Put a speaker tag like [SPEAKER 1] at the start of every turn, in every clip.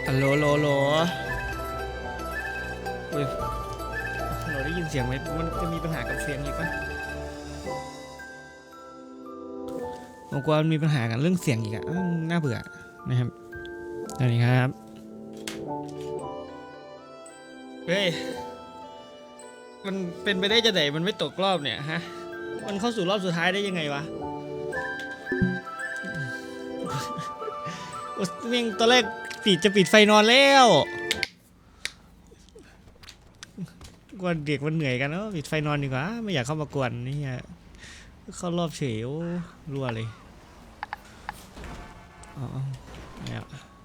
[SPEAKER 1] โหลโหลโหลเฮ้ยเราได้ยินเสียงไหมมันจะมีปัญหากับเสียงอีกปะผมกลัวมันมีปัญหากันเรื่องเสียงอีกอะน่าเบื่อนะครับสวัสดีครับเฮ้ยมันเป็นไปได้จะไหนมันไม่ตกรอบเนี่ยฮะมันเข้าสู่รอบสุดท้ายได้ยังไงวะเม่งตอนแรกจะปิดไฟนอนแล้วกวนเด็กมันเหนื่อยกันปิดไฟนอนดีกว่าไม่อยากเข้ามากวนนี่เข้ารอบเฉยรัวเลยอ๋อเนี่ย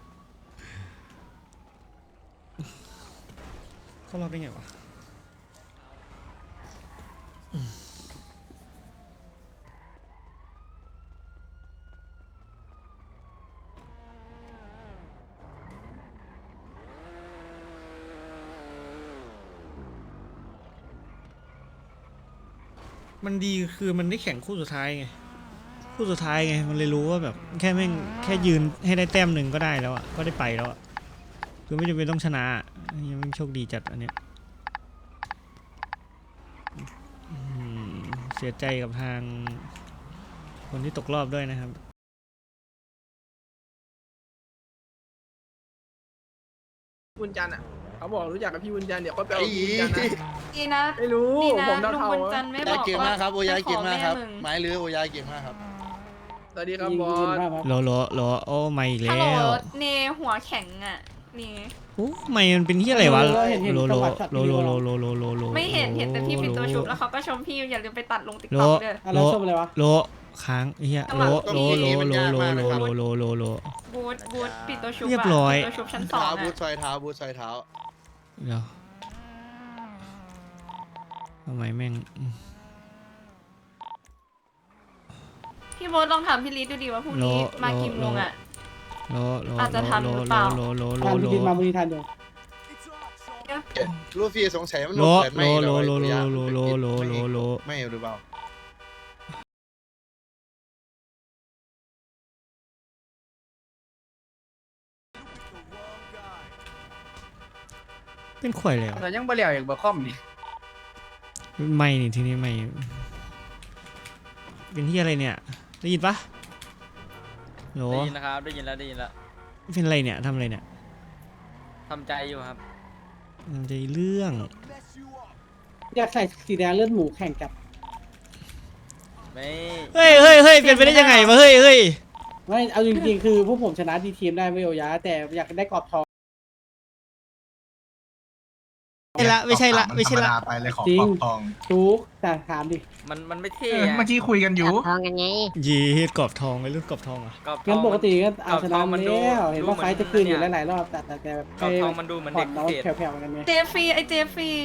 [SPEAKER 1] เข้ารอบได้ไงวะมันดีคือมันได้แข่งคู่สุดท้ายไงมันเลยรู้ว่าแบบแค่แม่งแค่ยืนให้ได้แต้มหนึ่งก็ได้แล้วอ่ะก็ได้ไปแล้วอ่ะคือไม่จำเป็นต้องชนะยังโชคดีจัดอันเนี้ยเสียใจกับทางคนที่ตกรอบด้วยนะครับ
[SPEAKER 2] บุญจันทร์อ่ะเขาบอกรู้จักกับพี่บุญจันทร์เดี๋ยวเขาไปเอาพี่บุญจันทร์นะ
[SPEAKER 3] ดีนะ
[SPEAKER 2] ไม่รู้
[SPEAKER 3] ดีนะ
[SPEAKER 2] ผม
[SPEAKER 3] ลุง
[SPEAKER 2] เท่า
[SPEAKER 3] บุญ
[SPEAKER 2] ๆ
[SPEAKER 3] จันทร์ไม่บ
[SPEAKER 4] ยา
[SPEAKER 3] อก
[SPEAKER 4] เก่ง
[SPEAKER 3] ว่าม
[SPEAKER 4] ากครับโอยาเก่งมากครับ
[SPEAKER 3] จะขอแมึง
[SPEAKER 4] ไม้เรือโอยาเก่งมากครับ
[SPEAKER 2] สวัสดีครับบอส
[SPEAKER 1] โลโอ้ไม่อีก
[SPEAKER 3] ฮัล
[SPEAKER 1] แล้
[SPEAKER 3] โหล
[SPEAKER 1] ว
[SPEAKER 3] เนหัวแข็งอ่ะเน
[SPEAKER 1] โอ้ไม่มันเป็นที่อะไรวะโล
[SPEAKER 3] ไม่เห็นแต่พี่ปิดตัวชุบแล้วเขาก็ชมพี่อย่าลืมไปตัดลงติ๊ก
[SPEAKER 1] โล
[SPEAKER 3] ต็อกเด้อ
[SPEAKER 5] อะไรชมอะไรวะ
[SPEAKER 1] โลค้างเฮียโล
[SPEAKER 3] บูธปิดตัวชุบ
[SPEAKER 1] เรียบร้อย
[SPEAKER 3] ปิดตัวชุบชั้นสอง
[SPEAKER 4] เท้า
[SPEAKER 3] อ่ะ
[SPEAKER 4] บูทซอยเท้าบูทซอยเท้า
[SPEAKER 1] เดี๋ยวทำไมแม่ง
[SPEAKER 3] พี่โบ๊ทลองถามพี่ลิศดูดีว่าพรุ่งนี้มากี่โมงอ่ะ อาจจะทันหรือเปล่า
[SPEAKER 5] ทานกินมาบุรีทานอยู่
[SPEAKER 4] ลูฟี่สงสัยมัน
[SPEAKER 1] โล
[SPEAKER 4] เกิดไม่หรอไม่หรือเปล่า
[SPEAKER 1] เป็นข่อยแล้ว
[SPEAKER 2] แต่ยังบ่เหลียวอย่างบ่คอมนี่
[SPEAKER 1] ไม่นี่ทีนี้ไม่เป็นที่อะไรเนี่ยได้ยินปะโหล
[SPEAKER 6] ได้ยินนะครับได้ยินแล้ว
[SPEAKER 1] เป็นอะไรเนี่ยทำอะไรเนี่ย
[SPEAKER 6] ทำใจอยู่ครับ
[SPEAKER 1] มันจะเรื่อง
[SPEAKER 5] อยากใส่สีแดงเลือดหมูแข่งกับ
[SPEAKER 6] ไม่
[SPEAKER 1] เฮ้ยเป็นไปได้ยังไงวะเฮ้ย
[SPEAKER 5] ไม่เอาจริงๆคือพวกผมชนะดีทีมได้ไม่โอยะแต่อยากได้กรอบทอง
[SPEAKER 1] ไม่ใช่ละ
[SPEAKER 7] ไปเลยของ
[SPEAKER 5] จริ
[SPEAKER 7] ข
[SPEAKER 5] ง
[SPEAKER 7] อบทอง
[SPEAKER 5] ทุกแต่ถามดิ
[SPEAKER 6] มันไม่เท่
[SPEAKER 7] เมื่อกี้คุยกันอยู่
[SPEAKER 8] ทองกันไง
[SPEAKER 1] ยีกรอบทองไอ้เรื่องกรอบทองอ่ะ
[SPEAKER 6] กรอบท
[SPEAKER 5] งั้
[SPEAKER 6] อน ง
[SPEAKER 5] ปกติก็เอาชนะ
[SPEAKER 6] มันดู
[SPEAKER 5] แล้วเห็นว่าไฟจะคืนอยู่หลายๆรอบแต่แบบ
[SPEAKER 6] กรอบทองมันดูเหมือน
[SPEAKER 5] ผ่อ
[SPEAKER 6] เด็
[SPEAKER 5] น
[SPEAKER 6] ก
[SPEAKER 5] น้อง
[SPEAKER 6] พิเศษ
[SPEAKER 5] แผ่วๆกันไง
[SPEAKER 3] เจฟรีไอเจฟรี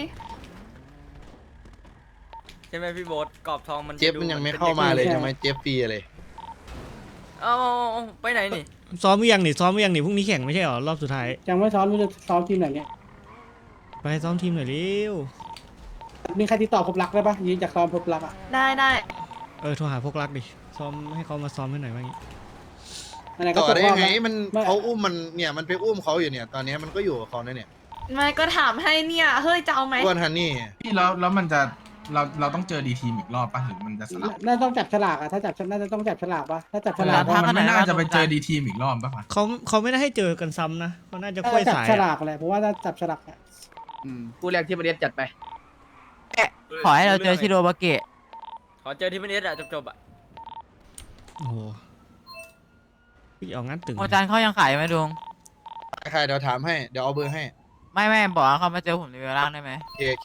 [SPEAKER 6] ใช่ไหมพี่โบ๊ทกรอบทองมัน
[SPEAKER 4] เจฟมันยังไม่เข้ามาเลยทำไมเจฟฟรีอะไร
[SPEAKER 6] เอาไปไหนนี่
[SPEAKER 1] ซ้อมหรือยังนี่พรุ่งนี้แข่งไม่ใช่หรอรอบสุดท้าย
[SPEAKER 5] จังว่าซ้อมมันจะซ้อมทีมไหนเนี่ย
[SPEAKER 1] ไปซ้อมทีมหน่อยเร็ว
[SPEAKER 5] มีใครติดต่อพบรักได้ปะยืนจากซ้อมพบรักอ่ะ
[SPEAKER 3] ได้
[SPEAKER 1] โทรหาพวกรักดิซ้อมให้เขามาซ้อมให้หน่อยว่างี้
[SPEAKER 5] อันไหนก็
[SPEAKER 4] ต่อ
[SPEAKER 5] ตก
[SPEAKER 4] ได้
[SPEAKER 5] รอบ
[SPEAKER 4] ไง
[SPEAKER 5] แล้ว
[SPEAKER 4] มันเขาอุ้มมันเนี่ยมันไปอุ้มเขาอยู่เนี่ยตอนนี้มันก็อยู่กับเขาเนี่ย
[SPEAKER 3] ไม่ก็ถามให้เนี่ยเฮ้ยจะเอาไหม
[SPEAKER 4] อ้วนฮันนี่
[SPEAKER 7] พี่แล้วมันจะเราต้องเจอดีทีมอีกรอบป่ะหรือมันจะสลับ
[SPEAKER 5] น่าต้องจับฉลากอ่ะถ้าจับน่าจะต้องจับฉลากปะถ้าจับฉลาก
[SPEAKER 7] เพราะมันไม่น่าจะไปเจอดีทีมอีกรอบป่ะ
[SPEAKER 1] เขาไม่ได้ให้เจอกันซ้ำนะเขาน่าจะ
[SPEAKER 5] ถ้า
[SPEAKER 1] ค่อย
[SPEAKER 5] จับ
[SPEAKER 1] สาย
[SPEAKER 5] ฉลากแหละเพราะว่าถ้าจับฉลากอะ
[SPEAKER 2] ผู้แรกที่ประเด็นจัดไป
[SPEAKER 8] ขอให้เราเจอชิโรบาเกะ
[SPEAKER 6] ขอเจอที่มันเอสอะจบอะ
[SPEAKER 1] โอ้โหพี่เอางั้นตึง
[SPEAKER 8] โมจันเขายังขายไหมลุง
[SPEAKER 4] ใครเดี๋ยวถามให้เดี๋ยวเอาเบอร์ให้
[SPEAKER 8] ไม่บอกว่าเขามาเจอผมในเวลล่างได้ไหม
[SPEAKER 4] เค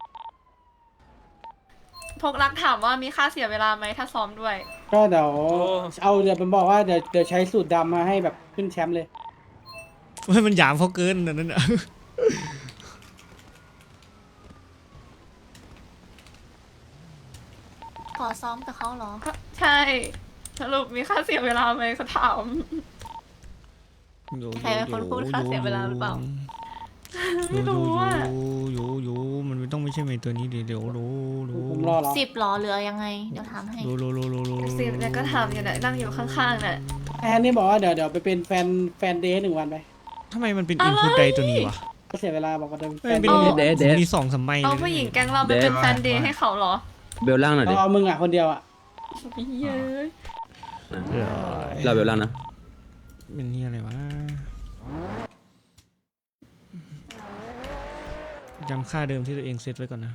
[SPEAKER 3] พกรักถามว่ามีค่าเสียเวลาไหมถ้าซ้อมด้วย
[SPEAKER 5] ก็เดี๋ยวผมบอกว่าเดี๋ยวใช้สูตรดำมาให้แบบขึ้นแชมป์เลย
[SPEAKER 1] เฮ้ยมันหยามเขาเกินอันนั้นอ่ะ
[SPEAKER 9] ขอซ้อมกับเขาเหรอ
[SPEAKER 3] ใช่สรุปมีค่าเสียเวลาไหมเขาถาม ใครเป็นคนพูดค่าเสียเวลาหรือเปล่า ไม่รู้อะ
[SPEAKER 1] อยู่มันไม่ต้องไม่ใช่เมย์ตัวนี้เดี๋ยวรู้
[SPEAKER 5] ผมรอเหรอ
[SPEAKER 9] 10หรอเหลือยังไง เดี๋ยวถามให้
[SPEAKER 3] สิบเนี่ยก็ถามอยู่เนี่ยนั่งอยู่ข้างๆเนี่ย
[SPEAKER 5] แอนนี่บอกว่าเดี๋ยวไปเป็นแฟนเดย์1 วันไป
[SPEAKER 1] ทำไมมันเป็นอินพุตใดตัวนี้วะ
[SPEAKER 5] ก็เสียเวลาบอกว่าเดิน
[SPEAKER 1] เฮ้ยมันเป็น มีสองสามใบ
[SPEAKER 3] เอา
[SPEAKER 1] เลย
[SPEAKER 3] ผู้หญิงแก๊งเราไปเป็นแฟนเดย์ให้เขาเหรอ
[SPEAKER 10] เบลล่างหน่อยดิ
[SPEAKER 5] เอามึงอ่ะคนเดียวอ่ะ
[SPEAKER 3] เย้ย
[SPEAKER 10] เราเบลล่างนะ
[SPEAKER 1] เป็นนี่อะไรวะจำค่าเดิมที่ตัวเองเซตไว้ก่อนนะ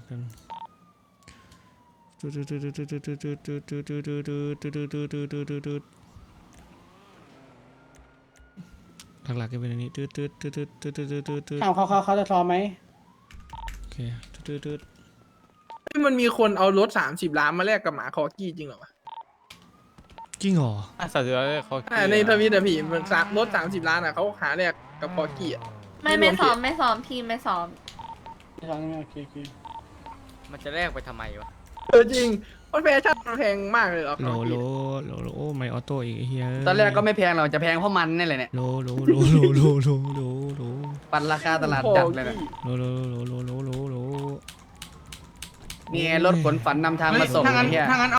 [SPEAKER 1] หลักๆก็เป็นอันนี้
[SPEAKER 5] ถามเขาจะซ้อมไหม
[SPEAKER 1] โอเค
[SPEAKER 2] มันมีคนเอารถ30 ล้านมาแลกกับหมาคอกี้จริงเหรอวะ
[SPEAKER 1] จริงเหรอ
[SPEAKER 2] ในทวิตอะพี่มันรถ30 ล้านอะเขาหาแลกกับคอกี้อะ
[SPEAKER 3] ไม่ซ้อมพี่ไม่ซ้อม
[SPEAKER 5] ไม่ซ้อมโอเค
[SPEAKER 6] มันจะแลกไปทำไมวะ
[SPEAKER 2] จริงเพราะแฟชั่นมันแพงมากเลยเหรอ
[SPEAKER 1] โลโอ้ไม่ออโต้อีกเฮีย
[SPEAKER 10] ตอนแรกก็ไม่แพงหรอกจะแพงเพราะมันนี่แหละเนี่ย
[SPEAKER 1] โล
[SPEAKER 10] ปันราคาตลาดจัดเลยนะ
[SPEAKER 1] โล
[SPEAKER 10] นี่ไงรถขนฝันนำทางมาส่ง
[SPEAKER 7] ถ้างั้น
[SPEAKER 10] ไอ้เหี้ย
[SPEAKER 7] ถ้างั้น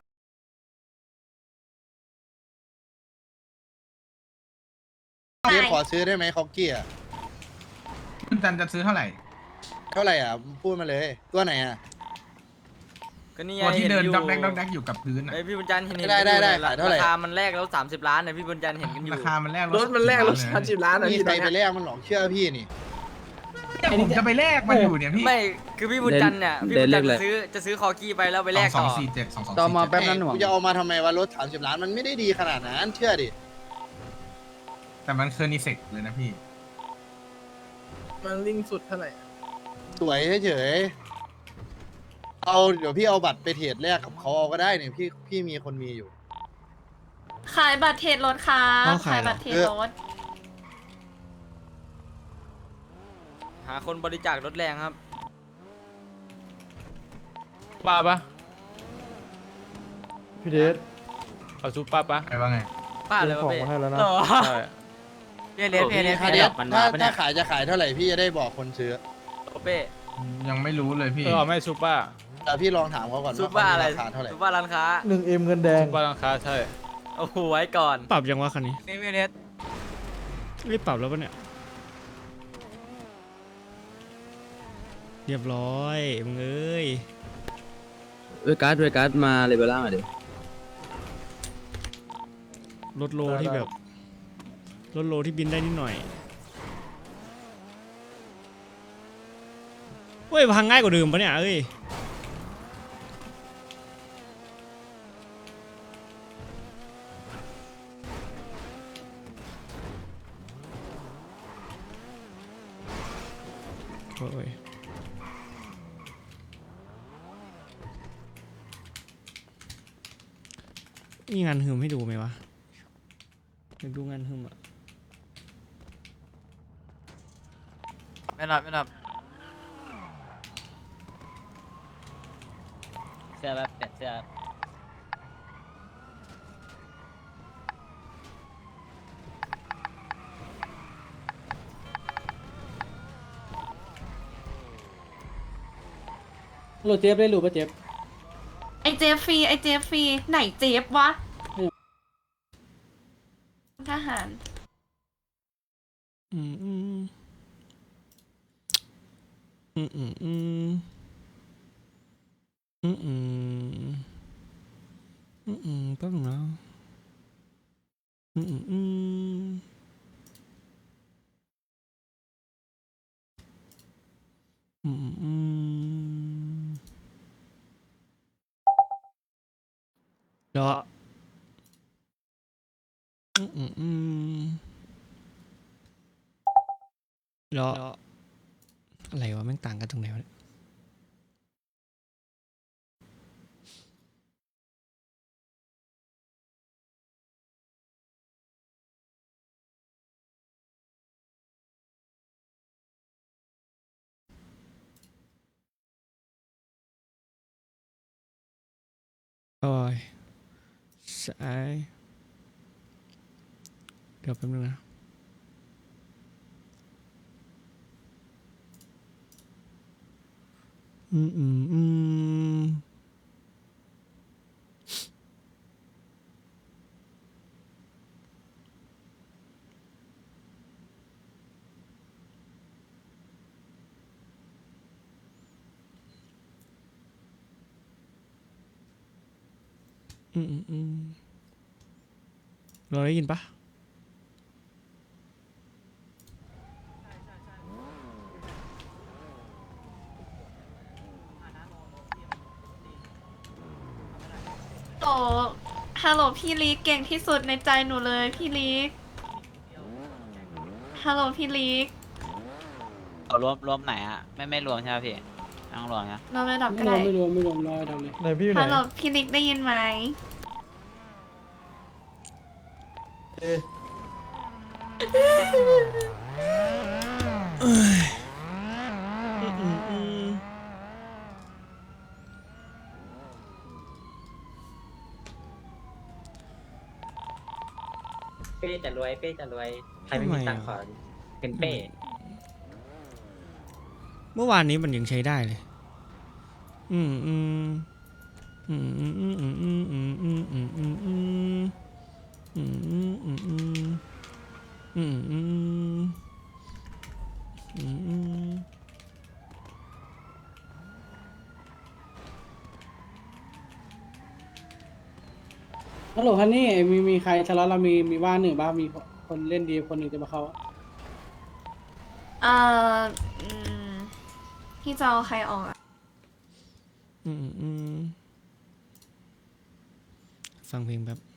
[SPEAKER 4] เจ๊ขอซื้อได้ไหมคอกกี้อ่ะ
[SPEAKER 7] คุณจันจะซื้อเท่าไหร่
[SPEAKER 4] เท่าไหร่อ่ะพูดมาเลยตัวไหนอ่ะ
[SPEAKER 6] ก็นี่ไง
[SPEAKER 7] ตัวที่เดิน
[SPEAKER 6] ห็ยู่
[SPEAKER 7] ด็อกแดกอยู่กับพื้นอ่ะ
[SPEAKER 6] ไอพี่บุญจันทร์เห็น
[SPEAKER 4] ได้
[SPEAKER 6] กันอยู่
[SPEAKER 4] ได้
[SPEAKER 6] รา
[SPEAKER 4] ขายเท่าไหร่
[SPEAKER 6] คามันแลกแล้ว30 ล้านนะพี่บุญจันทร์เห็นกันอยู่
[SPEAKER 7] ราคามันแลก
[SPEAKER 2] รถมันแลกรถ
[SPEAKER 7] 30
[SPEAKER 2] 30 ล้านอะ
[SPEAKER 4] มี
[SPEAKER 2] พี่
[SPEAKER 4] ใค
[SPEAKER 2] ต
[SPEAKER 4] ร
[SPEAKER 2] อน
[SPEAKER 4] ไป
[SPEAKER 2] เนี้ย
[SPEAKER 4] แลกมันหรอกเชื่อพี่นี่
[SPEAKER 7] ผมจะไปแลกมันอยู่เนี่ยพี่
[SPEAKER 6] ไม่คือพี่บุญจันทร์เนี่ยพี่บุญจันทร์จะซื้อคอกี้ไปแล้วไปแลก
[SPEAKER 7] สอ
[SPEAKER 6] ต่
[SPEAKER 7] ง
[SPEAKER 6] อ
[SPEAKER 7] สี่เจ็ดสอง
[SPEAKER 10] ต่อมาแป๊บนั้นหน่วง
[SPEAKER 4] กูจะเอามาทำไมวะรถ30 ล้านมันไม่ได้ดีขนาดนั้นเชื่อดิ
[SPEAKER 7] แต่มันเคอร์นิเซกเลยนะพี่
[SPEAKER 2] มันลิงสุดเท่าไหร่
[SPEAKER 4] สวยเฉยๆเอาเดี๋ยวพี่เอาบัตรไปเทรดแลกกับเขาเอาก็ได้เนี่ยพี่มีคนมีอยู่
[SPEAKER 3] ขายบัตรเทรดรถครับขายบัตรเทรดรถ
[SPEAKER 6] หาคนบริจาครถแรงครับ
[SPEAKER 11] ป้าปะ
[SPEAKER 5] พี่เดช
[SPEAKER 11] เอาซูป้าปะ
[SPEAKER 7] ไอ้ว่าไง
[SPEAKER 6] ป้าเลยวะเป้
[SPEAKER 11] ใช่
[SPEAKER 8] เพียเลส
[SPEAKER 4] ถ้าเดี๋ยวถ้าขายจะขายเท่าไหร่พี่จะได้บอกคนซื้อ
[SPEAKER 6] เป้
[SPEAKER 7] ยังไม่รู้เลยพี่
[SPEAKER 11] ไม่ซูป้า
[SPEAKER 4] แต่พี่ลองถามเขาก่อน
[SPEAKER 6] ซุป
[SPEAKER 4] ว่า
[SPEAKER 6] เปอร์อะไร
[SPEAKER 4] ราคาเท่าไหร่
[SPEAKER 6] ซุปเปอร์ร้านค้า
[SPEAKER 5] 1M เงินแดง
[SPEAKER 11] ซูป้าราคาใช่
[SPEAKER 6] โอ้โหไว้ก่อน
[SPEAKER 1] ปรับยังวะคันนี้
[SPEAKER 8] เพียเลส
[SPEAKER 1] รีบปรับแล้วปะเนี่ย เรียบร้อยมึงเอ้ย
[SPEAKER 10] เวการ์ดมาเลยเบลล่างหน่อยดิ
[SPEAKER 1] รถโลที่แบบรถโลที่บินได้นิดหน่อยเฮ้ยพังง่ายกว่าเดิมปะเนี่ยเอ้ยโอ้ยมีงานหืมให้ดูไหมวะอยากดูงานหืมอ่ะ
[SPEAKER 8] ไม่รับ
[SPEAKER 6] เสื้อแบบเปลี่ยนเสื้อ
[SPEAKER 5] โหลดเจฟได้รู้ป่ะเจฟ
[SPEAKER 3] ไอเจฟฟรีไหนเจฟวะทหาร
[SPEAKER 1] อืมอืมอืมอืมอืมอืมอืมอืมอืมแป๊บนึงนะอืมอืมอืมอืมอืมเดี๋ยวอืมอืมอืมแล้วอะไรวะแม่งต่างกันตรงไหนวะเนี่ยโอ้ยสายเดี๋ยวแป๊บนึงนะอืมอืมอืมเราได้ยินปะ
[SPEAKER 3] โอ้ฮัลโหลพี่ลิกเก่งที่สุดในใจหนูเลยพี่ลิกฮัลโหลพี่ลิก
[SPEAKER 6] รวมไหนอ่ะไม่รวมใช่ไหมพี่ต้องรวมนะ
[SPEAKER 3] เราระดับ
[SPEAKER 5] ไม่
[SPEAKER 3] ก็
[SPEAKER 5] รว
[SPEAKER 3] ได้
[SPEAKER 5] มไม่รวมไม่รวมรอทำเลย
[SPEAKER 1] ไหนพี่อยู่ไหน
[SPEAKER 3] ฮัลโหลพี่ลิกได้ยินไหม
[SPEAKER 6] เป้จะรวยใครไม่มีตังค์ขอเป็นเป้
[SPEAKER 1] เมื่อวานนี้มันยังใช้ได้เลย อืมอืมอืมอืมอืมอืมอืมอืมอืมอืมอืมอืมอืมอืมอืมอืมอืมอืมอืม
[SPEAKER 5] ฮัลโหลฮันนี่มีใครทะเลาะเรามีว่างหนึ่งบ้างมีคนเล่นดีคนหนึ่งจะมาเข้า
[SPEAKER 3] เอ่ออืมพี่จะเอาใครออกอะ
[SPEAKER 1] ฟังเพลงแบบ